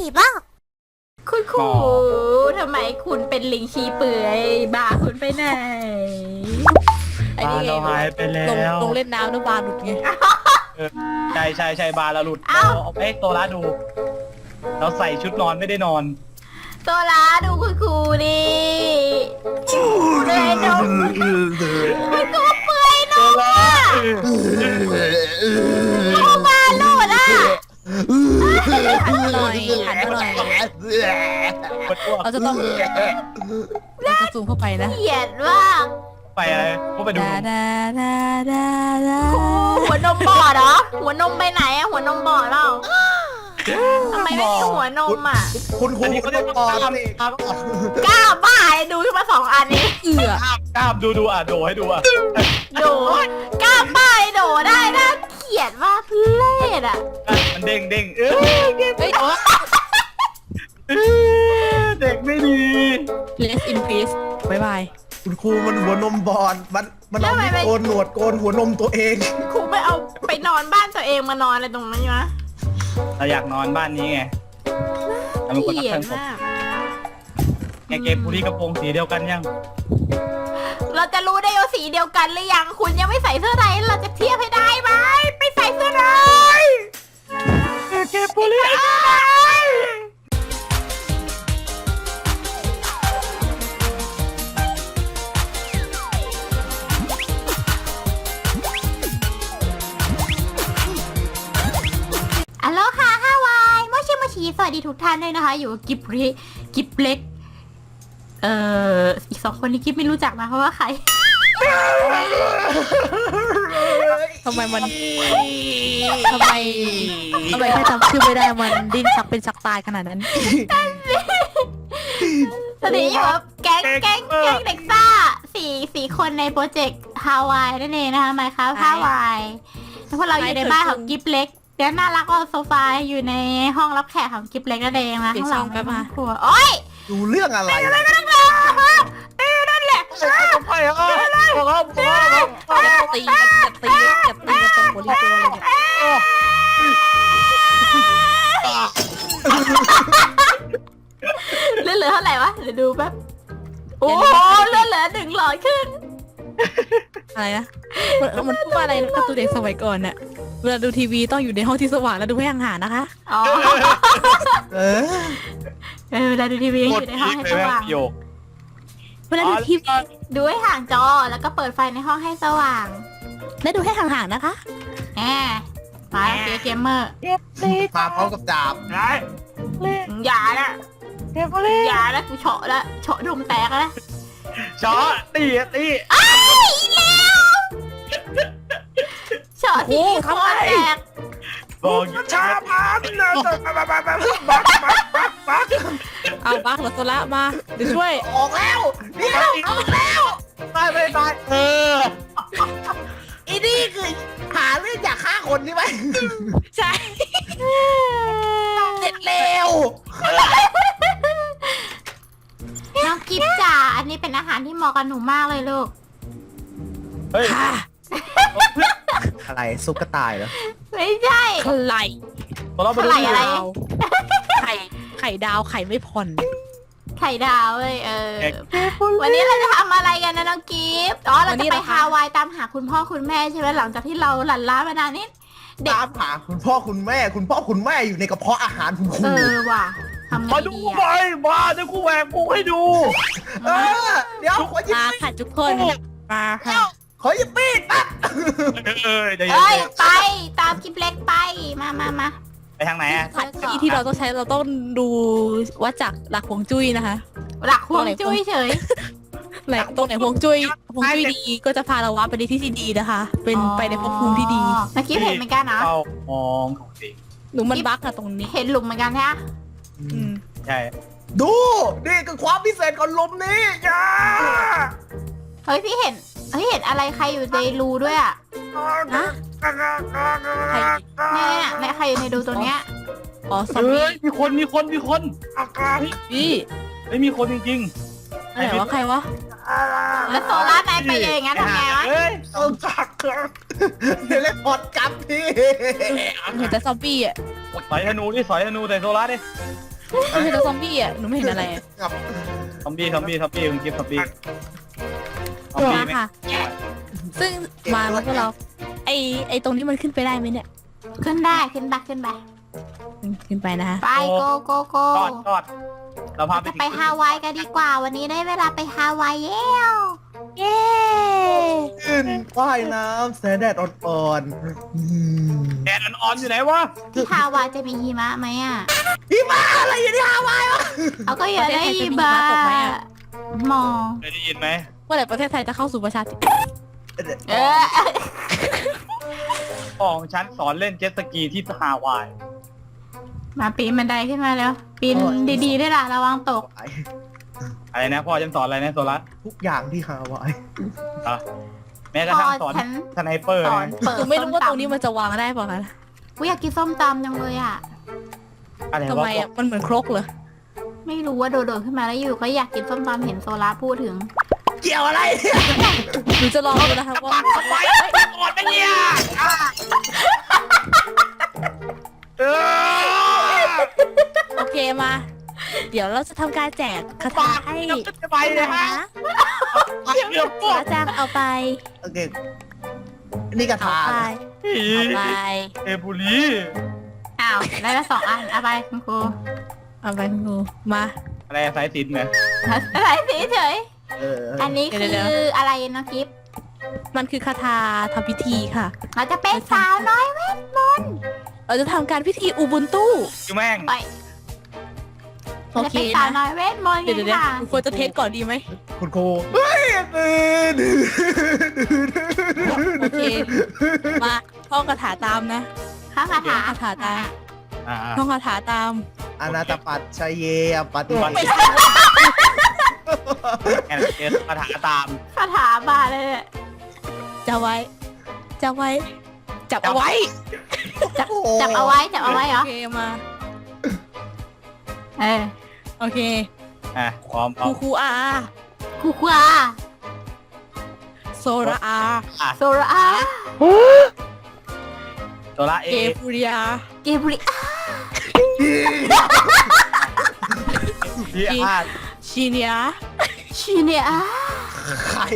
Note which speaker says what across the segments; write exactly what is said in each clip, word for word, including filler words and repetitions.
Speaker 1: บ้าง
Speaker 2: คุณครูทำไมคุณเป็นลิงชี้เปื่อยบาคุณไปไหน
Speaker 3: ไอ้นี่ไง
Speaker 4: เราหายไปแล้
Speaker 3: ลง
Speaker 4: ว
Speaker 3: ลงเล่นน้ำแล้วบาหลุดไง
Speaker 4: ใช่ใช่ใช่บาร์เราหลุดเราเอาไปให้โซล่าดู เราใส่ชุดนอนไม่ได้นอน
Speaker 2: โซล่าดูคุณครูดิเลยนมคุณครูเปื่อยนมอ่ะโมบาหลุดอ่ะ
Speaker 3: หันมาหน่อยหันมาหน่อยเราจะต้องเราจะซูมเข้าไปนะ
Speaker 2: เกลียดมาก
Speaker 4: ไปอะไรก็ไปดู
Speaker 3: ดาดาดาดาดา
Speaker 2: หัวนมบอดเหรอหัวนมไปไหนอะหัวนมบอดเปล่าทำไมไม่มีหัวนมอ่ะ
Speaker 5: คุณครู
Speaker 4: อันนี้
Speaker 5: คุ
Speaker 4: เขา
Speaker 5: ณ
Speaker 4: เรียก
Speaker 5: ป
Speaker 4: ว่า
Speaker 5: อก
Speaker 4: ล้าม
Speaker 5: นี่
Speaker 4: กล้าม
Speaker 2: กล้าบ้าดูขึ้นมาสองอันนี้
Speaker 3: เอือก
Speaker 4: ล้ามดูดูอ่ะโดให้ดูอ่ะ
Speaker 2: โดกล้าบ้าโดได้น่าเกลียดมากทุเรศอ่ะ
Speaker 4: มันเด้งเด้งเออ
Speaker 3: เฮ้ย
Speaker 4: เด็กไม่ดี
Speaker 3: Rest in peace บายบาย
Speaker 5: คุณครูมันหัวนมบอดมันมันเอามีดโกนหนวดโกนหัวนมตัวเอง
Speaker 2: ครูไปเอาไปนอนบ้านตัวเองมานอนอะไรตรงนั้นวะ
Speaker 4: เราอยากนอนบ้านนี้ไงเราเป็นคน
Speaker 2: เก
Speaker 4: รัก
Speaker 2: ลีย
Speaker 4: เพื่
Speaker 2: ด
Speaker 4: อนผม
Speaker 2: มาก
Speaker 4: แกเกมผู้ที่กระโปรงสีเดียวกันยัง
Speaker 2: เราจะรู้ได้ว่าสีเดียวกันหรือยังคุณยังไม่ใส่เสื้อในเราจะเทียบให้ได้ไหมไปใส่เสื้อใน
Speaker 4: แกเกมผู้ที่
Speaker 2: อัลโหลค่ะฮาวายโมชิโมชิสวัสดีทุกท่านด้วยนะคะ อยู่กับกิบริกิบเล็กเอ่ออีกสองคนนี้กิบไม่รู้จักนะเพราะว่าใคร
Speaker 3: ทำไมมันทำไมทำไมแค่จำชื่อไม่ได้มันดิ้นชักเป็นชักตายขนาดนั้น
Speaker 2: ตอนนี้อยู่กับแก๊งแก๊งแก๊งเด็กซ่าสี่สี่คนในโปรเจกต์ฮาวายนั่นเองนะคะไมค์ครับฮาวายแล้วพวกเราอยู่ในบ้านของกิบเล็กเดี๋ยวน่ารักก็โซฟาอยู่ในห้องรับแขกของกิบเล็กนั่นเองนะ
Speaker 3: เปลี่ย
Speaker 2: ข้าน งหลัง
Speaker 3: ช่องแป๊บมา
Speaker 2: ครัวโอ๊ย
Speaker 5: ดูเรื่องอะไร
Speaker 2: ไม่ต้องรอเออนั่นแหละ
Speaker 4: ไปอ่ะบอกแล้วบอกแล้ว
Speaker 3: จะตีกันจะตีจะตีกันตรงหัวรีตัวเลยเนี่ย
Speaker 2: เลือดเหลือเท่าไหร่วะเดี๋ยวดูแป๊บโอ้โหเลือดเหลือหนึ่งหลอดขึ้น
Speaker 3: อะไรนะมันมันพูดว่าอะไรนะการ์ตูนเด็กสมัยก่อนน่ะเวลาดูทีวีต้องอยู่ในห้องที่สว่างแล้วดูให้ห่างๆนะคะ
Speaker 2: อ๋อ
Speaker 5: เออ
Speaker 2: เออเวลาดูทีวีอยู่ในห้องให้สว่าง
Speaker 4: โยก
Speaker 3: เวลาดูทีวี
Speaker 2: ดูให้ห่างจอแล้วก็เปิดไฟในห้องให้สว่าง
Speaker 3: และดูให้ห่างๆนะคะ
Speaker 2: แหมมาเกมเกมเมอร์
Speaker 5: มาพร้อมกับดาบ
Speaker 4: ไง
Speaker 2: อย่านะอย่านะกูเฉาะละเฉาะดมแตกแล้ว
Speaker 4: ชอตีตี
Speaker 2: อ้าวอีกแล้วเฉาะที่คอแตก
Speaker 4: บอกชาพันนะ
Speaker 3: เอาบักเหรอโซละมาเดี๋ยวช่วย
Speaker 5: ออกแล้วเดี๋ยวออกแล้วไปไปไป
Speaker 4: เออ
Speaker 5: อีนี่คือหาเรื่องอยากฆ่าคนใช่ไหม
Speaker 3: ใช่
Speaker 5: เสร็จเร็ว
Speaker 2: น้องกิฟจ๋าอันนี้เป็นอาหารที่เหมาะกับหนูมากเลยลูก
Speaker 4: เฮ้ย
Speaker 3: ค่ะ
Speaker 5: อะไรซุปกระต่ายเหรอ
Speaker 2: ไม่ใช่
Speaker 3: ไข่
Speaker 4: เราไปดู
Speaker 2: ไข่อะไร
Speaker 3: ดาวไข่ไข่ดาวไข่ไม่ผ่อน
Speaker 2: ไข่ดาวเลยเออ วันนี้เราจะทำอะไรกันนะน้องกิฟต์อ๋อเราจะไปฮาวายตามหาคุณพ่อคุณแม่ใช่ไหมหลังจากที่เราหลั่นล้ามานานนี้เด็ก
Speaker 5: ตามหาคุณพ่อคุณแม่ คุณพ่อคุณแม่อยู่ในกระเพาะอาหารคุณค
Speaker 2: เอ
Speaker 5: รู
Speaker 2: อว่ะทำไง
Speaker 4: มาดู
Speaker 2: ดี
Speaker 4: ไป
Speaker 2: อะ
Speaker 4: มาเดี๋ยวกูแหวกกูให้ดู
Speaker 5: เออเดี๋ยวขอหยิบ
Speaker 3: มาค่ะทุกคนมาค่ะ
Speaker 5: ขอหยิบมีดแป๊บ
Speaker 4: เอ้ยเดี๋ยว
Speaker 2: เอ้ยไปตามกิฟต์เล็กไปมามามา
Speaker 4: ไปทางไหนอ่ะ
Speaker 3: ผัดที่ที่เราต้องใช้เราต้องดูวัดจากหลักฮวงจุ้ยนะคะ
Speaker 2: หลักห่วงจุ้ยเฉย
Speaker 3: ไหนตรงไหนฮวงจุ้ยฮวงจุ้ยดีก็จะพาเราวัดไปในที่ที่ดีนะคะ เป็นไปในภพภูมิที่ดี
Speaker 2: เมื่อกี้เห็นเหมือนกันนะ
Speaker 4: เข้ามองของจริง
Speaker 3: หนูมันบั๊กอะตรงนี้
Speaker 2: เห็นหลุมเหมือนกันใช่ไหม
Speaker 3: อืม
Speaker 4: ใช่
Speaker 5: ดูนี่คือความพิเศษของลมนี้จ้า
Speaker 2: เฮ้ยพี่เห็นเฮ้ยเห็นอะไรใครอยู่ในรูด้วยอ่ะ
Speaker 3: ฮะใคร
Speaker 2: เนี่ยเนี่ยในใครอยู่ในรูตัวเนี้ย
Speaker 3: อ๋อซอม
Speaker 4: เฮ้
Speaker 3: บี้
Speaker 4: ยมีคนมีคนมีคน
Speaker 3: พี่
Speaker 4: ไม่มีคนจริง
Speaker 3: อะไรวะใครวะ
Speaker 2: แล้วโซล่าไหนไปอย่างงั้นทำไงวะ
Speaker 4: เฮ้ย
Speaker 5: เอาจักเดี๋ยวเล่นพอดกลับพี่
Speaker 3: เห็นแต่ซอมบี้อะ
Speaker 4: สอยธนูดิสอยธนูแต่โซล่าดิ
Speaker 3: หนูเห็นแต่ซอมบี้อ่ะหนูไม่เห็นอะไรอะ
Speaker 5: กับ
Speaker 4: ซอมบี้ซอมบี้ซอมบี้คุณกิฟต์ซอมบี้ซอมบี้
Speaker 3: มา
Speaker 4: ไหม
Speaker 3: ค่ะ ซึ่งมาแล้วพวกเรา ไอไอตรงนี้มันขึ้นไปได้ไหมเนี่ย
Speaker 2: ขึ้นได้ขึ้นไปขึ้นไป
Speaker 3: ขึ้นไปนะคะ
Speaker 2: ไปโกโกโก
Speaker 4: ทอดทอดเราพาไป
Speaker 2: จะไปฮาวายกันดีกว่าวันนี้ได้เวลาไปฮาวายแล้วเย้
Speaker 5: ขึ้นว่ายน้ำแสงแดดอ่อนๆอืม
Speaker 4: แดดอ่อนๆอยู่ไหนวะ
Speaker 2: ที่ฮาวายจะมีหิมะไหมอ่ะ
Speaker 5: พี่มาอะไรอยู่ที่ฮาวายวะ
Speaker 2: เขาก็อยากได้หิมะมอง
Speaker 4: เคยได้ยินไหม
Speaker 3: เมื่อไหร่ประเทศไทยจะเข้าสู่ประชาธิปไตย
Speaker 2: เออ
Speaker 4: ของฉันสอนเล่นเจ็ตสกีที่ฮาวาย
Speaker 2: มาปีนบันไดขึ้นมาแล้วปีนดีๆด้วยล่ะระวังตก
Speaker 4: อะไรนะพ่อฉันสอนอะไรนะโซล่า
Speaker 5: ทุกอย่างที่ฮาวาย
Speaker 4: อ่ะแม้กระทั่งสอน
Speaker 2: ฉัน
Speaker 4: สไนเปอร์
Speaker 2: สอน
Speaker 4: นะ
Speaker 2: เปิด
Speaker 3: หนูไม่รู้ว่าตรงนี้มันจะวางได้เปล่าคะ
Speaker 2: กูอยากกินส้มตำจังเลยอ่ะ
Speaker 4: อะไร
Speaker 3: ทำ
Speaker 4: วะ
Speaker 3: ไมอ่ะมันเหมือนครกเหรอ
Speaker 2: ไม่รู้ว่าโดดๆขึ้นมาแล้วอยู่ก็อยากกินส้มตำเห็นโซล่าพูดถึง
Speaker 5: เกี่ยวอะไร
Speaker 3: หนูจะลองดูนะคะว่า
Speaker 4: ทำไมกดไปเนี่ยเออ
Speaker 3: โอเคมา เดี๋ยวเราจะทำการแจกคาถาให้
Speaker 4: จะไปเลยฮะเดี๋ยวพวก
Speaker 3: อาจารย์เอาไป
Speaker 5: โอเค นี่กระ
Speaker 3: เอา
Speaker 5: ถา
Speaker 3: ไป เอาไป
Speaker 4: เอบุรี
Speaker 2: อ้าวได้ละสองอันเอาไปคุณครู
Speaker 3: เอาไปคุณครูมา
Speaker 4: อะไรสายสิญจน์เนี่ย
Speaker 2: อะไรสิเฉย
Speaker 5: เออ
Speaker 2: อันนี้
Speaker 3: เดี๋
Speaker 2: คื
Speaker 3: ยว
Speaker 2: ออะไรนะกิฟต์
Speaker 3: มันคือคาถาทำพิธีค่ะ
Speaker 2: เราจะเป็นสาวน้อยเวทมนต์
Speaker 3: เราจะทำการพิธีอูบุนตู้
Speaker 4: คือแม่ง
Speaker 2: ไป
Speaker 3: โอ
Speaker 2: จะ
Speaker 3: เค
Speaker 2: เป็นสาว
Speaker 3: นะ
Speaker 2: น้อยเวทมนต์
Speaker 3: เดี๋ยว
Speaker 2: กัน
Speaker 3: เดี๋ยว
Speaker 2: ค่ะ
Speaker 3: คุณควรจะเทสก่อนดีไหม
Speaker 5: คุณครูเฮ้ยตื่น
Speaker 3: โอเค มาท่องคาถาตามนะ
Speaker 2: ข้าคาถา
Speaker 3: คาถาตาม
Speaker 4: อ่า
Speaker 3: ท่องคาถาตาม
Speaker 5: อนาตปัตชัยเยอปฏิบัติ
Speaker 4: แอนเอสคาถาตาม
Speaker 2: คาถาบาเลยเนี่ย
Speaker 3: จะไว้ จะไว้ จับเอาไว้
Speaker 2: จับจับเอาไว้จับเอาไว้เหรอ
Speaker 3: โอเคมา
Speaker 2: เออ
Speaker 3: โอเค
Speaker 4: อ่ะพร้อมพ
Speaker 3: ค
Speaker 4: ร้อ
Speaker 3: รู
Speaker 4: ม
Speaker 3: ครูอา
Speaker 2: ครูครูอา
Speaker 3: โซราอา
Speaker 4: อ่ะ
Speaker 2: โซราอา
Speaker 4: ตัวละเอ
Speaker 3: เกฟูริยา
Speaker 2: เกบริอา
Speaker 4: ที่อา
Speaker 3: ชิเนีย
Speaker 2: ชีเนียอา
Speaker 5: ใคร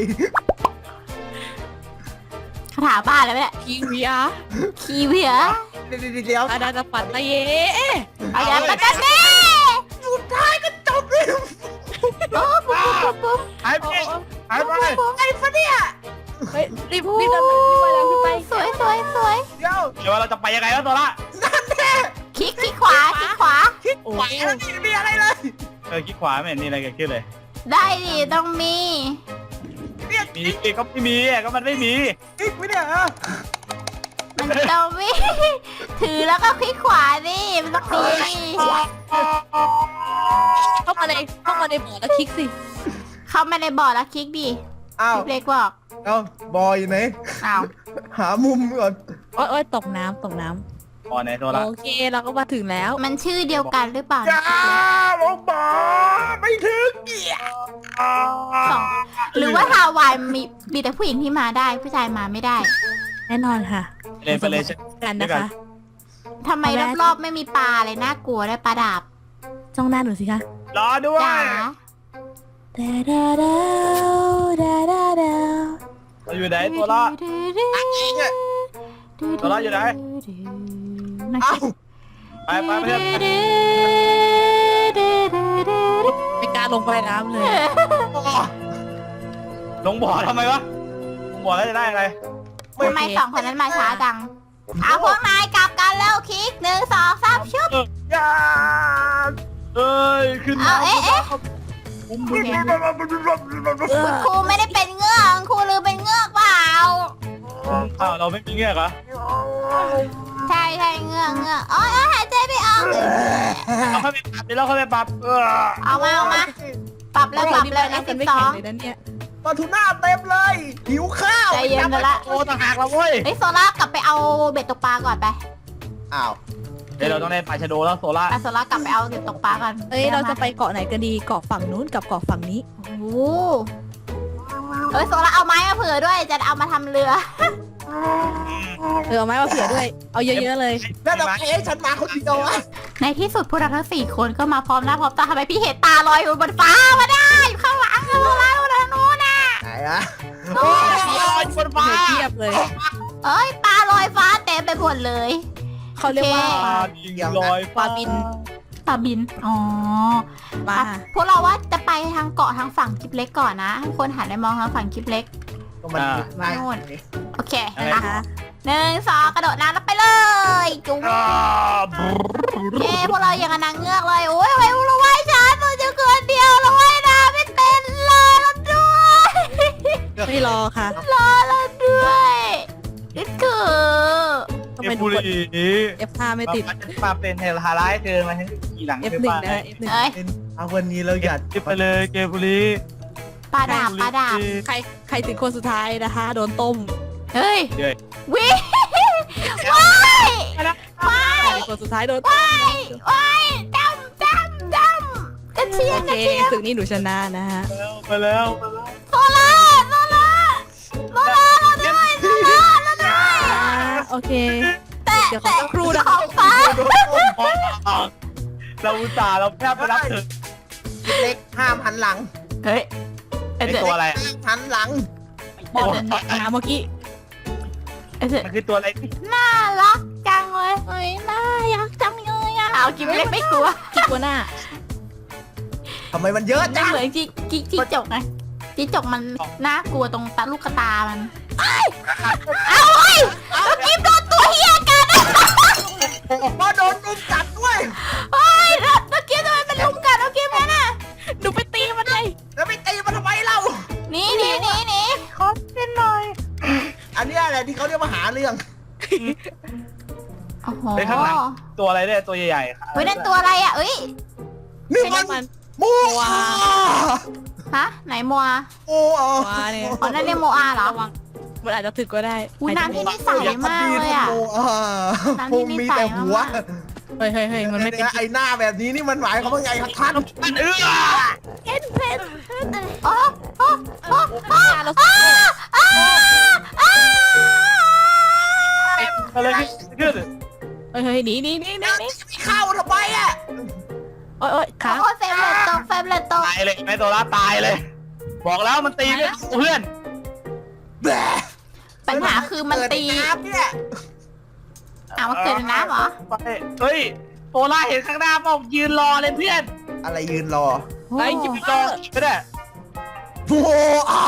Speaker 2: คาถาบ้าเลยเนี่ย
Speaker 3: คิงเวีย
Speaker 2: คีเวีย
Speaker 5: เดี๋ยวเดี๋ยว
Speaker 3: อาดาตปัตตะเย
Speaker 2: เอาอย่าไปกันแน่
Speaker 5: สุดท้ายก็จบเลย
Speaker 2: ปุ๊บปุ๊บปุ๊บปุ๊บ
Speaker 4: หายไปหายไป
Speaker 5: ไอ้ฟะเนี่ย
Speaker 3: เฮ้ยรีบรีบเดินรีบไปแล้วขึ้นไป
Speaker 2: สวยสวยสวย
Speaker 5: เดี๋ยว
Speaker 4: เดี๋ยวเราจะไปยังไงแล้วตัวละ
Speaker 2: คลิกคลิกขวาคลิกขวา
Speaker 5: คิดไหวแล้วนี่มีอะไรเลย
Speaker 4: เออคิดขวาไม่เห็นมีอะไรเกิดขึ้นเลย
Speaker 2: ได้ดิต้องมี
Speaker 5: เนี่ย
Speaker 4: มีก็ไม่มีอ่ะก็มันไม่มี
Speaker 5: คิดไหมเนี่ยฮะ
Speaker 2: มันต้องมีถือแล้วก็คลิกขวาดิมันต้องมี
Speaker 3: เข้ามาในเข้ามาในบ่อแล้วคลิกสิ
Speaker 2: เข้ามาในบอร์ดแล้วคลิกดิ
Speaker 5: อ้าว
Speaker 2: พี่เล็กบอก
Speaker 5: เอ้าบอยอยู่ไหน
Speaker 2: อ้าว
Speaker 5: หามุมก่อน
Speaker 3: โอ๊ยโอ๊ยตกน้ำตกน้
Speaker 4: พอในตัว
Speaker 3: ำ
Speaker 4: ละ
Speaker 3: โอเคเราก็มาถึงแล้ว
Speaker 2: มันชื่อเดียวกันหรือเปล่า
Speaker 5: จ้าลงบอไม่ถึงเกียร์
Speaker 2: สองหรือว่าฮาวายมีมีแต่ผู้หญิงที่มาได้ผู้ชายมาไม่ได้
Speaker 3: แน่นอนค่ะ
Speaker 4: เล่นไปเลย
Speaker 3: กันนะคะ
Speaker 2: ทำไมรอบๆไม่มีปลาเลยน่ากลัวได้ปลาดาบ
Speaker 3: จ้องหน้าหนูสิคะ
Speaker 4: รอด้ว
Speaker 2: จ๋าย
Speaker 3: ดาดาดาดาดาดา
Speaker 4: เราอยู่ไหนตัวละ ตัวละอยู่ไหน
Speaker 5: เอ้า
Speaker 4: ไปไปเพื่อน
Speaker 3: ไม่กล้าลงไปน้ำเลย
Speaker 4: ลงบ่อทำไมวะลงบ่อแล้วจะได้อะไร
Speaker 2: ทำไมสองคนนั้นมาช้าจังเอาพวกนายกลับกันแล้วคลิกหนึ่งสองสามชุบ
Speaker 5: อย่า
Speaker 4: เอ้ยขึ้น
Speaker 2: เอาเอ๊ะเอ๊ะ
Speaker 4: อุ้มมือ
Speaker 2: คุณครูไม่ได้เป็นเงือกคุณครูลืมเป็นเงือกเปล่า
Speaker 4: อ้าวเราไม่มีเงี้ยเหรอ
Speaker 2: ใช่ใช่เงือกเงือกอ๋อหายใจไม่ออก
Speaker 4: เราเข้าไปปรับเดี๋ยวเราเข้าไปปรับเออ
Speaker 2: เอามาเอามาปรับแล้วปรับเลยในสิบ
Speaker 3: ไม่
Speaker 2: สอ
Speaker 3: แข็ง
Speaker 2: ง
Speaker 3: เลยนะเนี่ย
Speaker 5: ปลาทูน่าเต็มเลย หิวข้าว
Speaker 2: ใจเย็นกันละ
Speaker 4: โอ้ต่างหากเราเว้ย
Speaker 2: เฮ้ยโซล่ากลับไปเอาเบ็ดตกปลาก่อนไป
Speaker 5: อ้าว
Speaker 4: เดี๋ยวเราต้องได้ปลาชะโดแล้วโซล่า
Speaker 2: ไปโซล่ากลับไปเอาเบ็ดตกปลาก่อน
Speaker 3: เอ้ยเราจะไปเกาะไหนกันดีเกาะฝั่งนู้นกับเกาะฝั่งนี้
Speaker 2: โอ้โหเฮ้ยโซล่าเอาไม้มาเผื่อด้วยจะเอามาทำเรือ
Speaker 3: โเออเอาไม้มาเผื่อด้วย เอาเยอะๆเลย
Speaker 5: แล้วเราเอ๊ะฉันมาคนเดียวอะ
Speaker 2: ในที่สุดพวกเราทั้งสี่คนก็มาพร้อมหน้าพร้อมตาทำไมพี่เห็นตาลอยอยู่บนฟ้ามาได้อยู่ข้างหลังข้างหลังข้างหลังนู้นน่ะ
Speaker 5: ไหนอะโอ้ยบนฟ้า
Speaker 3: เผื่อเทียบเลย
Speaker 2: เอ้ยปลาลอยฟ้าเต็มไปหมดเลย
Speaker 3: เขาเรียกว่า
Speaker 2: โอเค
Speaker 4: ปลาบินลอย
Speaker 3: ปลาบิน
Speaker 2: ปลาบินอ๋อ
Speaker 3: มา
Speaker 2: อ่ะพวกเราว่าจะไปทางเกาะทางฝั่งกิบเล็กก่อนนะทุกคนหันไปมองทางฝั่งกิบเล็ก
Speaker 5: ก็มันง่าย
Speaker 2: โอเค
Speaker 3: นะ
Speaker 2: อ่ะ
Speaker 3: คะ
Speaker 2: หนึ่งสองกระโดดน้ำแล้วไปเลยจุ๊บ
Speaker 4: อ่า
Speaker 2: เย้พวกเราอย่างกับนางเงือกเลยโอ้ยทำไมพวกเราว่ายช้าตัวจะเกินเดียวเราว่ายน้ำไม่เป็นรอเราด้วย
Speaker 3: ไม่รอค่ะ
Speaker 2: รอเราด้วยนี่คือ
Speaker 3: ทำ
Speaker 4: เอ
Speaker 3: ไม
Speaker 4: ฟ
Speaker 3: ทุ
Speaker 4: บุ
Speaker 3: กคน
Speaker 4: รี
Speaker 3: เอฟห้าไม่ติด
Speaker 4: มาเป็นเทลฮาร้ายเธอมาให้ขี่หลัง
Speaker 3: เอฟ
Speaker 4: เธอ
Speaker 3: หนึ่ง
Speaker 4: บ้าง
Speaker 3: นะ เอฟหนึ่ง
Speaker 2: เอ้ย
Speaker 5: เอาวันนี้เราอยาก
Speaker 4: เก็บไปเลยเกมบุรี
Speaker 2: ปลาดาบปลาดาบ
Speaker 3: ใครใครถึงคนสุดท้ายนะคะ โดนต้ม
Speaker 2: เฮ้ย
Speaker 4: เย้ย
Speaker 2: วิว้ายว้า
Speaker 3: ใคร
Speaker 2: ย
Speaker 3: เป็นคนสุดท้ายโดนต้ม
Speaker 2: ว้ายว้ายดำดำดำกระเทีย
Speaker 3: โอ
Speaker 2: มก
Speaker 3: เค
Speaker 2: ระเทียม
Speaker 3: ศึกนี้หนูชนะนะฮะ
Speaker 4: ไปแล้วไปแล้ว
Speaker 2: โซล่าโซล่าโซล่าเราด้วยโซล่าเราด้วย
Speaker 3: อ่าโอเค
Speaker 2: แต่
Speaker 3: เดี๋ยวขอ
Speaker 2: แต่
Speaker 3: สักครู่นะ
Speaker 2: ของฟ้า
Speaker 4: เราอุตส่าห์เราแทบไปรับเธอ
Speaker 5: เล็กห้ามหันหลัง
Speaker 2: เฮ้ย
Speaker 4: ไอตัวอะไร
Speaker 5: หันหลัง
Speaker 3: บอกนะเมื่อกี้
Speaker 4: มันคือตัวอะไร
Speaker 2: น่ารักจังเลยเฮ้ยน่ารักจังเลยอ่ะเอากินเล็กไม่กลัว
Speaker 3: กิ๊กกัวหน้า
Speaker 5: ทำไมมันเยอะ
Speaker 2: ไม่
Speaker 5: จัง
Speaker 2: เหมือนจิจิจิจกไงจิจกมันน่ากลัวตรงตาลูกตามันเอ้ยเอาเฮ้ยแล้วกิฟโดนตัวเฮียกัน
Speaker 5: มาโดนลุมกัดด้วย
Speaker 2: เฮ้ยแล้วแล้วกิฟทำไมเป็นลุมกันเอากิฟนั่นน่ะ
Speaker 3: หนูไปตีมันเลย
Speaker 5: แล้วไปตีมันทำไมเรา
Speaker 2: หนีหนีหนีหนี
Speaker 5: ขอเล่นหน่อย อันนี้อะไรที่เขาเรียกว่าหาเรื่อง
Speaker 2: โอ้โห
Speaker 4: เฮ้ยข้างหลังตัวอะไรเนี่ยตัวใหญ่ๆ
Speaker 2: เฮ้ยนั่นตัวอะไรอ่ะเอ้ย
Speaker 5: นี่
Speaker 3: ใช่
Speaker 5: มัน
Speaker 3: น้ำมัน
Speaker 5: มู
Speaker 3: ว้า
Speaker 2: ฮะไหนมัว
Speaker 5: โอ้อ่ะ
Speaker 3: ว้าเนี่ย
Speaker 2: อ๋อนั่นเรียกโมอาเหรอ
Speaker 3: ระวังมันอาจจะถึกก็ได้
Speaker 2: อุ้ยน้ำที่นี่ใสมากเลยอ่ะ
Speaker 5: โอ่ะ
Speaker 2: น้ำ
Speaker 5: ค
Speaker 2: ที่
Speaker 5: ง
Speaker 2: นี่
Speaker 5: มี
Speaker 2: ใส
Speaker 5: แต่หัว
Speaker 2: มาก
Speaker 3: เฮ้ยเฮ้ยเฮ้ยมันไม่เป็น
Speaker 5: ไอ้หน้าแบบนี้นี่มันหมายความว่าไงครับท่าน
Speaker 4: มันเอื้อ
Speaker 2: เอ็นเพนโอ้โอ้โอ้โอ้
Speaker 3: เรา
Speaker 2: อ้าอ้าอ้า
Speaker 4: อะไรขึ้น
Speaker 3: เฮ้ยเฮ้ยหนีหนีหนีหนีหนี
Speaker 5: ไม่เข้าทำไมอ่ะ
Speaker 3: โอ้ยโอ้ยขา
Speaker 2: โอ้เฟมเลตตกเฟมเลตตก
Speaker 4: ตายเลยไอตัวละตายเลย บอกแล้วมันตีไม่เพื่อน
Speaker 5: แบะ
Speaker 2: ปัญหาคือมันตี
Speaker 5: เปิดน้ำเนี่ย
Speaker 2: อ้าวมันเกิดในน้ำเหรอ
Speaker 4: ไปเฮ้ยโซล่าเห็นข้างหน้าเปล่ายืนรอเลยเพื่อน
Speaker 5: อะไรยืนรอ
Speaker 3: ไอ้ยิบ
Speaker 4: รอไม่ได้
Speaker 5: โอ้อา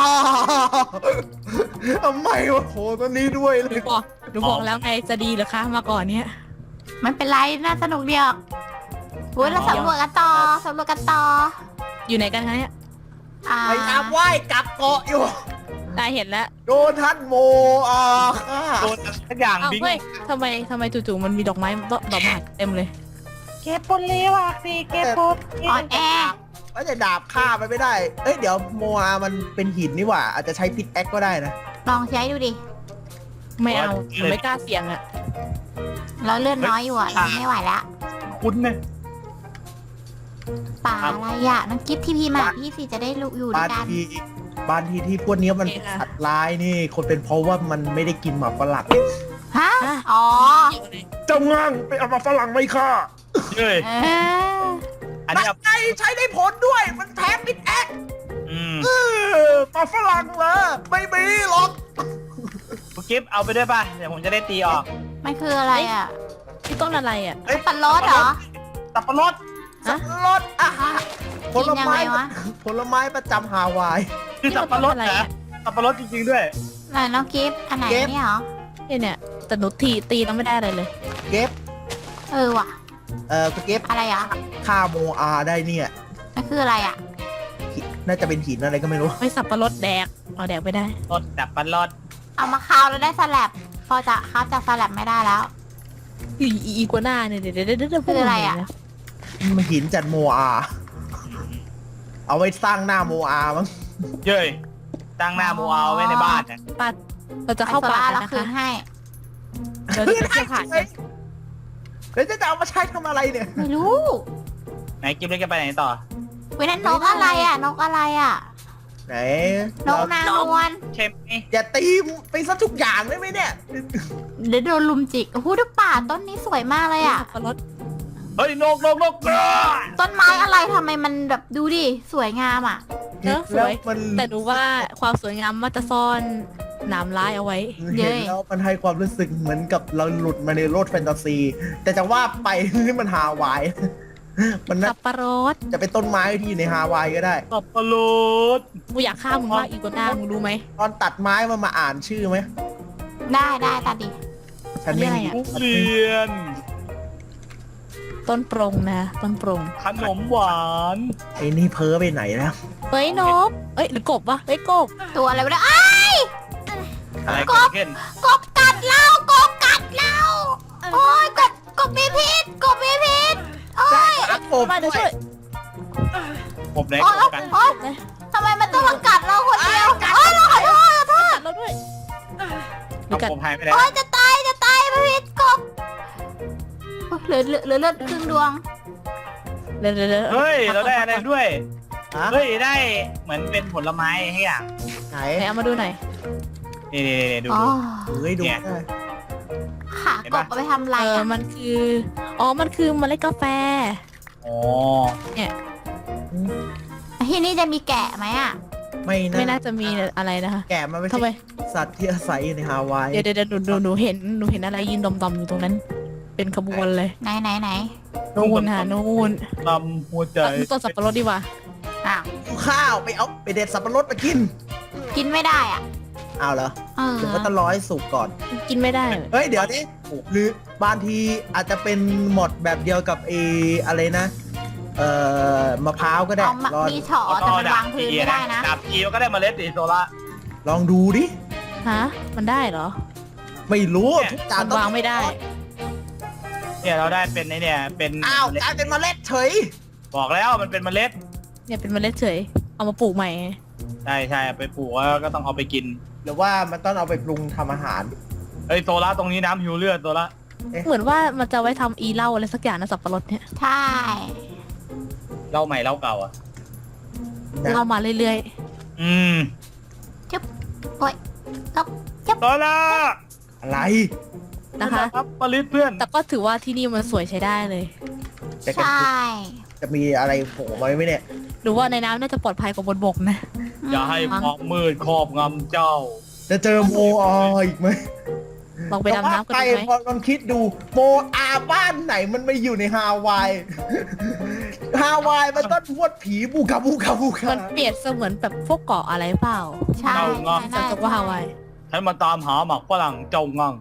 Speaker 5: ทำไมวะโหตัวนี้ด้วยเล
Speaker 3: หนู
Speaker 5: ย
Speaker 3: บอกหนูบอกแล้วไงจะดีเหรอคะมาก่อนเนี้ย
Speaker 2: มันเป็นไรน่าสนุกเดียวอุ้ยเราสำรวจกันต่อสำรวจกันต่อ
Speaker 3: อยู่ไหนกันคะเนี่ย
Speaker 2: อ่า
Speaker 5: พยายามว่ายกลับเกาะอยู่
Speaker 3: ได้เห็นแล้ว
Speaker 5: โดนท่านโมอาฆ่า
Speaker 4: โดนทุกอย่าง
Speaker 3: อ้าว
Speaker 4: บิง
Speaker 3: เฮ้ยทำไมทำไมจู่ๆมันมีดอกไม้ดอกไม้เต็มเลย
Speaker 4: เก็บปนเลวอ่ะสิเก็บปน
Speaker 2: อ่อนแอ
Speaker 5: ว่าจะดาบฆ่ามันไม่ได้ เอ้ยเดี๋ยวโมอามันเป็นหินนี่หว่า อาจจะใช้พิษแอคก็ได้นะ
Speaker 2: ลองใช้ดูดิ
Speaker 3: ไม่เอาหนูไม่กล้าเสี่ยงอ่ะ
Speaker 2: เราเลือดน้อยอยู่อ่ะเราไม่ไหวแล้ว
Speaker 4: คุ้นเนี่ย
Speaker 2: ป่าอะไรอ่ะน้องกิฟทีพีมาพี่สิจะได้รู้อยู่ด้
Speaker 5: บา
Speaker 2: วย
Speaker 5: ง
Speaker 2: กัน
Speaker 5: ทีบางทีที่พวกเนี้ยมันสัตว์ร้ายนี่ คนเป็นเพราะว่ามันไม่ได้กินหมาฝรั่ง
Speaker 2: ฮะอ๋อ
Speaker 5: เจ้าง่างไปเอามาฝรั่งไม่ฆ่า
Speaker 4: เฮ้ย
Speaker 2: เออ
Speaker 4: อัน
Speaker 5: นั่
Speaker 4: นี้
Speaker 5: นไงใช้ได้ผลด้วย มันแพ้พิษแอค
Speaker 4: อืม
Speaker 5: เออมาฝรั่งเหรอไม่มีหรอก
Speaker 4: คุณกิฟเอาไปด้วยป่ะเดี๋ยวผมจะได้ตีออก
Speaker 2: มันคืออะไรอ่ะ
Speaker 3: ที่ต้นอะไรอ่ะ
Speaker 4: เฮ้ย
Speaker 2: ปันรสเหรอ
Speaker 4: สับปะรด
Speaker 3: ฮะ
Speaker 5: รสอาหารผ
Speaker 2: กิน
Speaker 5: ล
Speaker 2: ยัง
Speaker 5: ไม้
Speaker 2: ไงวะ
Speaker 5: ผลไม้ประจำฮาวาย
Speaker 4: คือสับปะรดนะสับปะรดจริงๆด้วย
Speaker 2: ไหนน้องกิฟอันไหน
Speaker 5: เก็บ
Speaker 2: เนี่ยเหรอ
Speaker 3: เนี่ยเนี่ยแต่หนูตีตีแล้วไม่ได้อะไรเลย
Speaker 5: เก็บ
Speaker 2: เออว่ะ
Speaker 5: เอ่อคุณเก็บ
Speaker 2: อะไรอ่ะ
Speaker 5: ฆ่าโมอาได้เนี่ย
Speaker 2: มันคืออะไรอ่ะ
Speaker 5: หินน่าจะเป็นหินอะไรก็ไม่รู้
Speaker 3: ไม่สับปะรดแดกเอาแดกไม่ได้
Speaker 4: รดสับปะรด
Speaker 2: เอามาคาวแล้วได้สลับ พอจะคาวจากสลับไม่ได้แล้ว
Speaker 3: อีอีอีกัวหน้าเนี่ยเดี๋ยวเดี๋ยวเดี๋ยวเดี๋ยว
Speaker 2: คืออะไรอะ
Speaker 5: มันหินจัดโมอา เอาไว้สร้างหน้าโมอามั้ง
Speaker 4: เย้ยตั้งหน้าโมเอาไว้ในบ้านนะ
Speaker 3: ป้าเราจะเข้าป่า
Speaker 2: ไอ้โซล่
Speaker 3: กัน
Speaker 2: เรา
Speaker 3: นะ
Speaker 2: คืน
Speaker 3: คะ
Speaker 2: ให้
Speaker 3: เดี๋ยวจะไปเที่ยวผ่าน
Speaker 5: เล
Speaker 3: กั
Speaker 5: ย
Speaker 3: น
Speaker 5: แล้วจะเอามาใช้ทำอะไรเนี่ย
Speaker 2: ไม่รู้
Speaker 4: ไหนกิฟเล็กจะไปไหนต่อ
Speaker 2: เว้ยนั่นนกอะไรอ่ะ นกอะไรอ่ะ
Speaker 5: ไหน
Speaker 2: นกนางนวล
Speaker 4: ใช่ไหม
Speaker 5: อย่าตีไปซะทุกอย่างได้ไหมเนี่ย
Speaker 2: เดี๋ยวโดนลุมจิกโอ้โหดูป่าต้นนี้สวยมากเลยอ่ะ
Speaker 3: สับปะรด
Speaker 4: เฮ้ยนกนกนกกระ
Speaker 2: ต้นไม้อะไรทำไมมันแบบดูดิสวยงามอ่ะ
Speaker 3: เนอะสวย
Speaker 5: แล้วมัน
Speaker 3: แต่ดูว่าความสวยงามมันจะซ่อนหนามร้ายเอาไว้
Speaker 2: เย้
Speaker 5: เห็นแล้วมันให้ความรู้สึกเหมือนกับเราหลุดมาในโลกแฟนตาซี แต่จะว่าไป นี่มันฮาวาย มันน่า
Speaker 3: สับปะรด
Speaker 5: จะเป็นต้นไม้ที่อยู่ในฮาวายก็ได้
Speaker 4: สับปะรด
Speaker 3: กูอยากฆ่ามึงมากอีกว่าหน้ามึงรู้ไหม
Speaker 5: ตอนตัดไม้มันมาอ่านชื่อไหม
Speaker 2: ได้ได้ตัดดิ
Speaker 5: ฉันไม่มี
Speaker 4: ทุเรียน
Speaker 3: ต้นปรงนะต้นปรง
Speaker 4: ขนมหวาน
Speaker 5: ไอ้นี่เพ้อไปไหนแล้ว
Speaker 3: เฮ้ยนกเอ้ยหรือกบวะเฮ้ยกบ
Speaker 2: ตัวอะไรวะเนี่ยอ้าย
Speaker 4: อะไร
Speaker 2: ก
Speaker 4: เกิ
Speaker 2: บ
Speaker 4: ดขึ้น
Speaker 2: กบกัดเรากบกัดเราโอ้ยกบกบมีพิษกบมีพิษโอ้ย
Speaker 5: โอ้
Speaker 3: มาเดี๋ยวช่วย
Speaker 4: ผมไหน
Speaker 2: โอ้ย
Speaker 4: กัน
Speaker 2: โอ้ยทำไมมันต้องมากัดเราคนเดียวโอ้ยเราขอโทษขอโทษ
Speaker 3: กัดเราด้วยหรือกัด
Speaker 4: ผมหายไปแล้ว
Speaker 2: โอ้ยจะตายจะตายพิษกบโอ้ยเหลือเหลือเหลือเลือดครึ่งดวง
Speaker 3: เดี๋ยวเดี๋ยวดี๋ว
Speaker 4: เฮ้ยเราได้อะไรด้วย
Speaker 5: ฮะ
Speaker 4: เฮ้ยได้เหมือนเป็นผลไม้ให้อ่ะ
Speaker 5: ไหน
Speaker 3: ไหนเอามาดูหน่อย
Speaker 4: นี่นี่นี่ดู
Speaker 2: อ๋อ
Speaker 4: ดู
Speaker 5: เฮ้ยดู
Speaker 4: เนี่ย
Speaker 5: ได้
Speaker 2: ขากบเอาไปทำอะไร
Speaker 3: เออ
Speaker 2: อ่ะ
Speaker 3: มันคืออ๋อมันคือเมล็ดกาแฟ
Speaker 4: อ๋อ
Speaker 2: ที่นี่จะมีแกะไหมอ่ะ
Speaker 5: ไม่
Speaker 3: ไม่
Speaker 5: นะ
Speaker 3: น่าจะมีอะไรนะคะ
Speaker 5: แกะมันไม่
Speaker 3: ทำไม
Speaker 5: ใช่สัตว์ที่อาศัยอยู่ในฮาวาย
Speaker 3: เดี๋ยวเดี๋ยวเดี๋ยวหนูหนูหนูเห็นหนูเห็นอะไรยืนดมๆอยู่ตรงนั้น เป็นขบวนเลย
Speaker 2: ไหนไหนไหน
Speaker 3: นู่นค่ะนู่น
Speaker 4: ลำหัวใจ
Speaker 3: เอาต้นสับปะรดดีกว่า
Speaker 2: อ้าว
Speaker 5: ข้าวไปเอาไปเด็ดสับปะรดมากิน
Speaker 2: กินไม่ได้อ่ะ
Speaker 5: เอาเหรอ
Speaker 2: เออ
Speaker 5: เดี๋ยวก็ต้องรอให้สุกก่อน
Speaker 3: กินไม่ได้
Speaker 5: เฮ้ยเดี๋ยวนี้หรือบางทีอาจจะเป็นหมดแบบเดียวกับเออะไรนะ เอ่อมะพร้าวก็ได้
Speaker 2: เอามา
Speaker 5: ลอง
Speaker 2: มีเฉาะแต่มันวางพื้นไม่ได้นะ
Speaker 4: ดาบอีก็ได้เมล็ดสีโซล่า
Speaker 5: ลองดูดิ
Speaker 3: ฮะมันได้เหรอ
Speaker 5: ไม่รู้
Speaker 4: เนี่ย
Speaker 5: ทุกจา
Speaker 3: มัน นวางไม่ได้
Speaker 4: เนี่ยเราได้เป็นไอเนี่ยเป็น
Speaker 5: อ้าว
Speaker 4: เมล็ด
Speaker 5: กลายเป็นเมล็ดเฉย
Speaker 4: บอกแล้วมันเป็นเมล็ด
Speaker 3: เนี่ยเป็นเมล็ดเฉยเอามาปลูกใหม่
Speaker 4: ใช่ใช่เอาไปปลูกแล้วก็ต้องเอาไปกิน
Speaker 5: หรือว่ามันต้องเอาไปปรุงทำอาหาร
Speaker 4: เอ้ยโซล่าตรงนี้น้ำหิวเลือดโซล่า
Speaker 3: เหมือนว่ามันจะไว้ทำอีเหล้าอะไรสักอย่างนะสับปะรดเนี่ย
Speaker 2: ใช่
Speaker 4: เล่าใหม่เล่าเก่าอ่ะ
Speaker 5: นะ
Speaker 3: เล่ามาเรื่อย
Speaker 4: อืม
Speaker 2: โอ้ยแล้ว
Speaker 4: โซล่า
Speaker 5: อะไร
Speaker 3: ๆนะคะ
Speaker 4: ครับปลิตเพื่อน
Speaker 3: แต่ก็ถือว่าที่นี่มันสวยใช้ได้เลย
Speaker 5: แต่ก็
Speaker 2: ใช่
Speaker 5: จะมีอะไรโผล่มาไหมเนี่ย
Speaker 3: หรือว่าในน้ำน่าจะปลอดภัยกว่าบนบกนะ
Speaker 4: อย่าให้ความมืดครอบงำเจ้า
Speaker 5: จะเจอโมออีกไหม
Speaker 3: ลองไปดำน้ำกัน
Speaker 5: แต่
Speaker 3: ดู
Speaker 5: ว่า
Speaker 3: ไหม
Speaker 5: ไปลองคิดดูโมอาบ้านไหนมันไม่อยู่ในฮาวาย ฮาวายมันต้องพวดผีบูกาบูกาบูกา
Speaker 3: มันเปรียบเสมือนแบบพวกเกาะอะไรเปล่า
Speaker 2: ใช่
Speaker 4: เอางอ
Speaker 2: ใช่
Speaker 3: จำจากว่าฮาวาย
Speaker 4: ฉันมาตามหาหมักฝรั่งเจ้างัง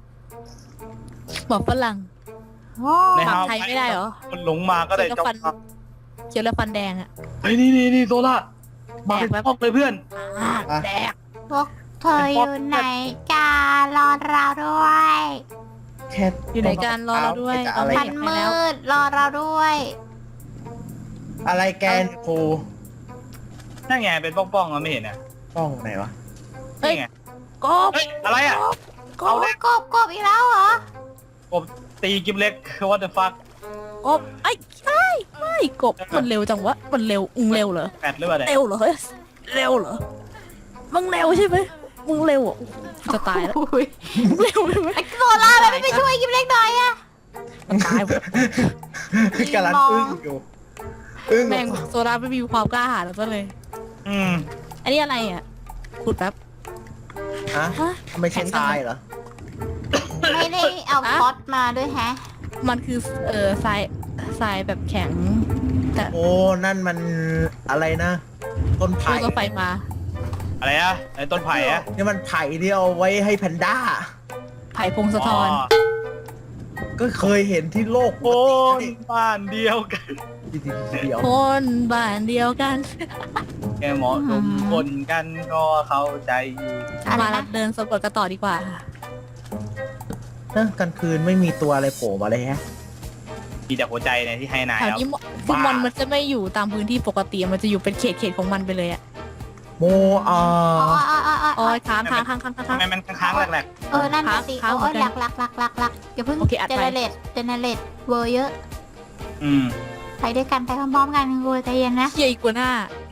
Speaker 3: บอกฝรั่ง
Speaker 2: โอ้
Speaker 4: ใน
Speaker 3: ฝั่ง
Speaker 4: ฮาว
Speaker 3: ไทยไม่ได้เหรอ
Speaker 4: มันหลงมาก็ได้เจ้างัง
Speaker 3: เขียวแล้วฟันแดงอะ
Speaker 4: เฮ้ยนี่นี่นี่โซล่ามาเป็น
Speaker 3: แดกแบบ
Speaker 4: พอกเลยเพื่อน
Speaker 3: แดก
Speaker 2: พวกเธออยู่ไหนกันรอเราด้วย
Speaker 5: แค่
Speaker 3: อยู่ไหนกันรอเราด้วย
Speaker 5: จะ
Speaker 3: เอา
Speaker 5: อะไร
Speaker 3: ไป
Speaker 2: มันมืดรอเราด้วย
Speaker 5: อะไรแกนโค
Speaker 4: นั่นไงเป็นป้องๆเราไม่เห็นอ่ะ
Speaker 5: ป้องไหนวะ
Speaker 3: เฮ้ย
Speaker 4: นี่ไง
Speaker 3: กบ
Speaker 4: เฮ้ยอะไรอ่ะ
Speaker 2: กบกบกบอีกแล้วเหรอ
Speaker 4: กบตีกิมเล็ก what the fuck
Speaker 3: กบไอ้ใช่ไม่กบมันเร็วจังวะมันเร็วอึงเร็วเหรอ
Speaker 4: แปดหรือเปล่าเนี่ย
Speaker 3: เร็วเหรอเฮ้ยเร็วเหรอมึงเร็วใช่ไหมมึงเร็วอ่ะจะตายแล้ว
Speaker 2: อุ้ย
Speaker 3: มึงเร็วใช่ไหม
Speaker 2: ไอ้โซล่ามันไม่ไปช่วยกิมเล็กหน่อยอะ
Speaker 3: ตายหมด
Speaker 5: กำลังอึ้งอยู่อึ้ง
Speaker 3: แม่งโซดาไม่มีความกล้าหาญแล้วก็เลย
Speaker 4: อืม
Speaker 3: อันนี้อะไรอ่ะขุดแป๊บ
Speaker 5: ฮะ
Speaker 3: ฮะ
Speaker 5: ทำไมใช่ทรายเหรอ
Speaker 2: ไม่ได้เอาคอสมาด้วยแฮะ
Speaker 3: มันคือเออทรายทรายแบบแข็ง แต่
Speaker 5: โอ้นั่นมันอะไรนะ ต้น
Speaker 3: โซ
Speaker 5: ไผ่
Speaker 3: ก็ไฟมา
Speaker 4: อะไรอ่ะไอ้ต้นไผ่อ่ะ
Speaker 5: นี่มันไผ่ที่เอาไว้ให้แพนด้า
Speaker 3: ไผ่พงศธร
Speaker 5: ก็เคยเห็นที่โลก
Speaker 4: โคนบ้านเดียวกัน
Speaker 5: เดียว
Speaker 3: คนบ้านเดียวกัน
Speaker 4: แกเหมาะสมคนกันก็เข้าใจอยู่
Speaker 2: อะไร
Speaker 3: มาเรา
Speaker 2: นะ
Speaker 3: เดินสำรวจกันต่อดีกว่า
Speaker 5: นะกลางคืนไม่มีตัวอะไรโผล่มาเลยฮะ
Speaker 4: มีแต่หัวใจเนี่ยที่ให้นาย
Speaker 3: แถว
Speaker 4: ครับ
Speaker 3: นี้คือมอนมันจะไม่อยู่ตามพื้นที่ปกติมันจะอยู่เป็นเขตเขตของมันไปเลยอ่ะ
Speaker 5: โมอา
Speaker 2: อ๋ออ๋ออ๋ออ๋
Speaker 3: โอ้
Speaker 2: อย
Speaker 3: ค้างค้างค้างค้างค้าง
Speaker 4: ทำไมมันค้างๆแหลก
Speaker 2: เออนั่นน่ะสิ
Speaker 3: ค้าง
Speaker 2: โอ้ย
Speaker 3: เหมือน
Speaker 2: ห
Speaker 3: กั
Speaker 2: ลั
Speaker 3: น
Speaker 2: กหลักหลักหลักหลักอย่าเพิ่ง
Speaker 3: โอเคอัด
Speaker 2: เจ
Speaker 3: ไป
Speaker 2: เนเรตเจเนเรตเวอร์เยอะ
Speaker 4: ๆอืม
Speaker 2: ไปด้วยกันไปพร้อมๆกันคุณใจเย็นนะ
Speaker 3: เฮียอีกกว่าหน้า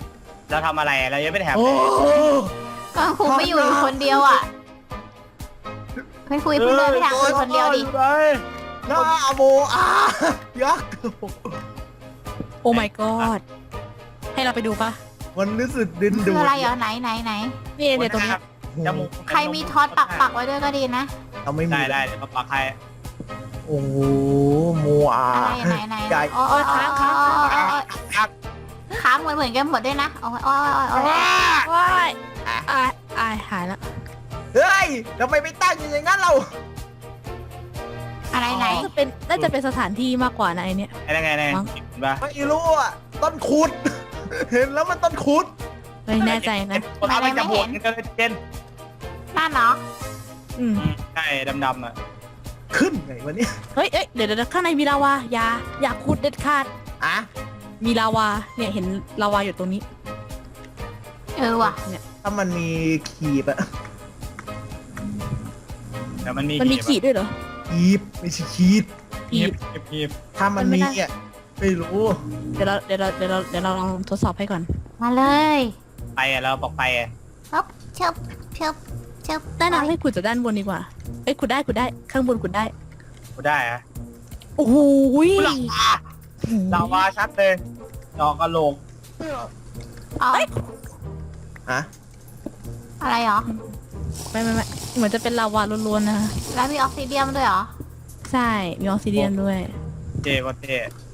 Speaker 4: เราทำอะไรเรายังไม่ได้แถม
Speaker 5: โอ้
Speaker 2: ก็ครูไม่อยู่อยู่คนเดียวอ่ะไม่คุยเพิ่งเดินไปทางคุยคนเดียวดิ
Speaker 5: หน้าโมอายักษ์
Speaker 3: โอ้ my god ให้เราไปดูปะ
Speaker 5: มันรู้สึกดิน
Speaker 2: คื
Speaker 5: ดู
Speaker 2: อ
Speaker 5: ด
Speaker 2: อะไรเหรอไหนไหนไหน
Speaker 3: นี่เนี่ยตรงเนี้ย
Speaker 4: จมูก
Speaker 2: ใครมีท็อตปักปักไว้ด้วยก็ดีนะ
Speaker 5: เราไม่มี
Speaker 4: ได้ได้เดี๋ยวมาปักให้
Speaker 5: โอ้โหโมอา
Speaker 2: อะไรไหนไหน
Speaker 5: ใหญ่
Speaker 2: โอ้ยค้างค้าง
Speaker 4: ครับ
Speaker 2: ค้างเหมือนเหมือนกันหมดด้วยนะโอ้ยโอ้ยโอ้ย
Speaker 3: ว้ายอายอายหายแล้ว
Speaker 5: เฮ้ยทำไมไม่ตั้งอย่างนั้นเรา
Speaker 2: อะไรไหน
Speaker 3: น่าจะเป็นน่าจะเป็นสถานที่มากกว่านะไอเนี้ย
Speaker 4: ไอ้นั่นไงไง
Speaker 3: มั้ง
Speaker 4: เห็นปะ
Speaker 5: ไม่รู้อ่ะต้นคุด เห็นแล้วมันต้นคุด
Speaker 3: ไม่แน่ใจนะ
Speaker 4: คนเอาไปจับหัวกันเลยเจน
Speaker 2: นั่นเนาะ
Speaker 3: อืม
Speaker 4: ใช่ดำๆอ่ะ
Speaker 5: ขึ้นไงวะเนี่ย
Speaker 3: เฮ้ยเอ้ยเดี๋ยวเดี๋ยวข้างในมีลาวาอย่าอย่าขุดเด็ดขาด
Speaker 5: อ่ะ
Speaker 3: มีลาวาเนี่ยเห็นลาวาอยู่ตรงนี้
Speaker 2: เออว่ะ
Speaker 3: เนี่ย
Speaker 5: ถ้ามันมีขีบอะ
Speaker 4: แต่มันมี
Speaker 3: มันมีขีดด้วยเหรอ
Speaker 5: ขีบไม่ใช่ขีด
Speaker 4: ขี
Speaker 3: ขี
Speaker 4: บ
Speaker 3: ด
Speaker 4: ขีบ
Speaker 5: ถ้ามัน
Speaker 3: มันไม่
Speaker 5: มี
Speaker 3: ได้
Speaker 5: อ่ะไม่รู้
Speaker 3: เดี๋ยวเราเดี๋ยวเราเดี๋ยวเราเดี๋ยวเราลองทดสอบให้ก่อน
Speaker 2: มาเลย
Speaker 4: ไปอ่ะเราบอกไปอ่ะ
Speaker 2: ปึ๊บเชิบเชิบเชิบ
Speaker 3: ได้นะให้ขุดจากด้านบนดีกว่าเอ้ยขุดได้ขุดได้ข้างบนขุดได้
Speaker 4: กูได้อะ
Speaker 3: โอ้โหย
Speaker 4: ลาวาชัดเลยดอกกระโหลก
Speaker 2: อ๋อ
Speaker 5: ฮะ
Speaker 2: อะไรเหรอ
Speaker 3: ไม่ไม่ไม่เหมือนจะเป็นลาวาล้วนๆนะ
Speaker 2: แล้วมีออกซิเดียมด้วยเหรอ
Speaker 3: ใช่มีออกซิเดียนด้วย
Speaker 4: เจก็เจ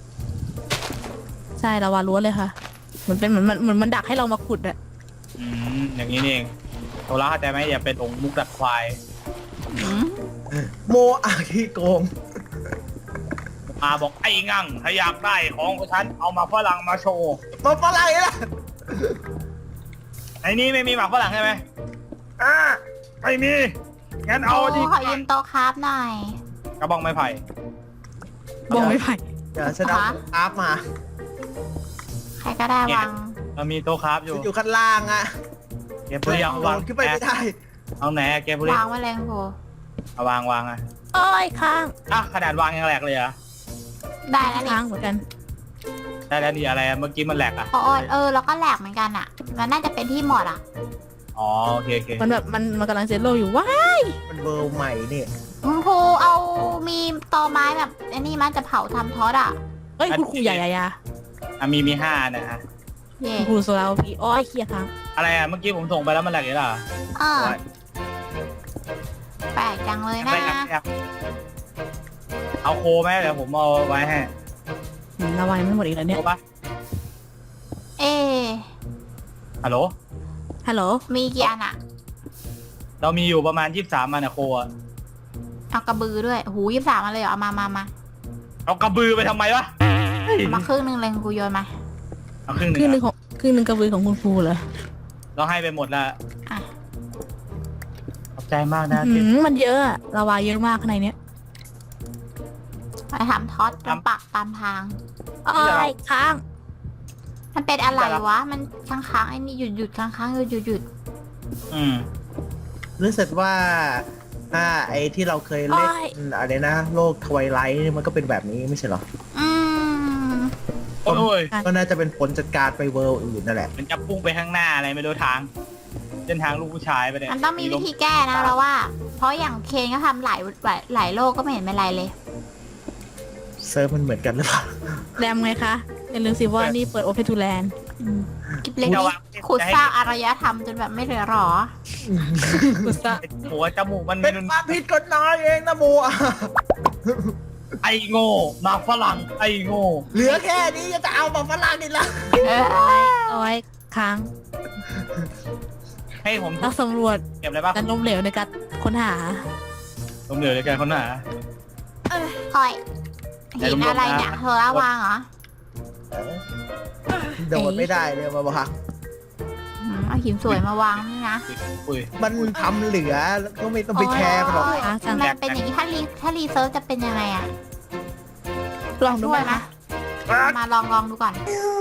Speaker 3: ใช่ลาวาล้วนเลยค่ะเหมือนเป็นเหมือนมันเหมือนมันดักให้เรามาขุดอะ
Speaker 4: อืมอย่างนี้นี่เองโทรเข้าใจไหมอย่าเป็นองค์มุกดักควาย
Speaker 2: อืม
Speaker 5: โมอาขี้โกง
Speaker 4: มาบอกไอ้งั่งถ้าอยากได้ของของฉันเอามาฝรั่งมาโชว์
Speaker 5: มาฝรั่งนี่แหละ
Speaker 4: ไอ้นี่ไม่มีหมากฝรั่งใช่ไหม
Speaker 5: อ่า
Speaker 4: ไม่มีงั้นเอา
Speaker 2: โอ้
Speaker 4: ดิ
Speaker 2: ขอยืมโต๊ะคราฟหน่อย
Speaker 4: กระบองไม้ไผ่
Speaker 3: บองไม่ไผ่
Speaker 5: เดี๋ยวฉันเอา
Speaker 2: ฮะ
Speaker 5: อาร์ฟมา
Speaker 2: ใครก็ได้วาง
Speaker 4: เรามีโต๊ะคราฟอยู่
Speaker 5: ฉันอยู่ข้างล่างอ่ะ
Speaker 4: เกมบุรีเอา
Speaker 5: โด
Speaker 4: วาง
Speaker 5: ดขึ้นไปไม่ได้
Speaker 4: เอาไหนอะเกมบุรี
Speaker 2: วางไว้เลยครู
Speaker 4: เอาวางวางอะ
Speaker 3: โอ้ยค้าง
Speaker 4: อ่ะขนาดวางยังแหลกเลยเหรอ
Speaker 2: ได้แล้วนี่
Speaker 3: ค้างเหมือนกัน
Speaker 4: ได้แล้วนี่อะไรอะเมื่อกี้มันแหลกอะ
Speaker 2: โอ้ยเออแล้วก็แหลกเหมือนกันอ่ะ มันน่าจะเป็นที่หมดอ่ะ
Speaker 4: อ๋อโอเคโอเค
Speaker 3: มันแบบมันมันกำลังเซตโลอยู่ว้า
Speaker 5: มันเบอร์ใหม่เนี่ย
Speaker 2: คุณครูเอามีตอไม้แบบอันนี้มันจะเผาทำทอดอ่ะ
Speaker 3: เอ้ยคุณครูใหญ่ใหญ่
Speaker 4: อ่ะมีมีห้านะฮะ
Speaker 2: เย่
Speaker 3: คุณครูโซลาพีอ้อยเคลียร์ค้าง
Speaker 4: อะไรอะเมื่อกี้ผมส่งไปแล้วมันแหลกอีกแล้วเหรอ
Speaker 2: เออแปลกจังเลยนะ
Speaker 4: ไม่แหลกไม่แหลกเอาโคไหมเดี๋ยวผมเอาไว้ให้
Speaker 3: หืมระวังไม่หมดอีกแล้วเนี่ย
Speaker 4: โคปะ
Speaker 2: เอะ
Speaker 4: ฮัลโหล
Speaker 3: ฮัลโหล
Speaker 2: มีกี่อันอ่ะ
Speaker 4: เรามีอยู่ประมาณยี่สิบสามอันอะโคอะ
Speaker 2: เอากระบือด้วยหูยี่สามมาเลยเหรอเอามามามา
Speaker 4: เอากระบือไปทำไมวะ
Speaker 2: เอามาครึ่งหนึ่งเลยครูโยนมา
Speaker 4: เอาครึ่งห
Speaker 3: ครึ่งห
Speaker 4: นึ่
Speaker 3: นึ่
Speaker 4: ง
Speaker 3: งของครึ่งหนึ่งกระบือของคุณครูเหรอ
Speaker 4: เราให้ไปหมดแล้ว
Speaker 2: อ่ะ
Speaker 4: ขอบใจมากนะ
Speaker 3: หื
Speaker 4: ที่
Speaker 3: มมันเยอะอะระวาเยอะมากข้างในเนี้ย
Speaker 2: ไปทำทอดตรงปักตามทาง
Speaker 3: อ้อยค้าง
Speaker 2: มันเป็นอะไรวะ มันค้างค้างๆไอ้นี่หยุดหยุดค้างค้างหยุดหยุดหยุด
Speaker 4: อืม
Speaker 5: รู้สึกว่าอ่าไอ้ที่เราเคยเล่นอะไรนะ โลกทวายไลท์มันก็เป็นแบบนี้ไม่ใช่เหรอ
Speaker 2: อืม
Speaker 4: โอ้ย
Speaker 5: ก็น่าจะเป็นผลจากการไปเวิลด์อื่นนั่นแหละ
Speaker 4: มันจะพุ่งไปข้างหน้าอะไรไม่รู้ทางเส้นทางลูกผู้ชายไปเนี่ย
Speaker 2: มันต้องมีวิธีแก้นะเราว่า เพราะอย่างเคนก็ทำหลายหลายหลายโลกก็ไม่เห็นเป็นไรเลย
Speaker 5: เซิร์ฟมันเหมือนกันหรือเปล่า
Speaker 3: แรมไงคะอย่าลืมสิว่านี่เปิดโอเพนทูแลนด์
Speaker 2: กิบเล็กนี่ขุดสร้างอารยธรรมจนแบบไม่เหลือหรอ
Speaker 3: กุศะ
Speaker 4: หัวจมูกมัน
Speaker 5: เป็นความผิดกฎหมายเองนะโมอา
Speaker 4: ไอ้โง่หมากฝรั่งไอ้โง่
Speaker 5: เหลือแค่นี้จะเอามาฝรั่งอีกแล้ว
Speaker 2: เออ
Speaker 3: อ้อยค้าง
Speaker 4: ให้ผม
Speaker 3: นักสำรวจ
Speaker 4: เก็บอะไรบ้าง
Speaker 3: การล้มเหลวในการค้นหา
Speaker 4: ผมเหลือในการค้นหา
Speaker 2: คอยหินอะไรเนี่ยเธอละวางเหรอ
Speaker 5: โดดไม่ได้เลยมาบอก
Speaker 2: อืมเอาหินสวยมาวางนี่นะ
Speaker 4: อุ้ย
Speaker 5: มันทำเหลือแล้วก็ไม่ต้องไปแชร์มันหรอก
Speaker 3: ค้างจัง
Speaker 2: มันเป็นอย่างนี้ถ้ารีถ้ารีเซิร์ฟจะเป็นยังไงอะ
Speaker 3: ลองดู
Speaker 2: ช่
Speaker 3: ไห
Speaker 2: ว
Speaker 3: ม
Speaker 2: ยไหม
Speaker 3: คะ
Speaker 2: มาลองลองดูก่อน
Speaker 5: เ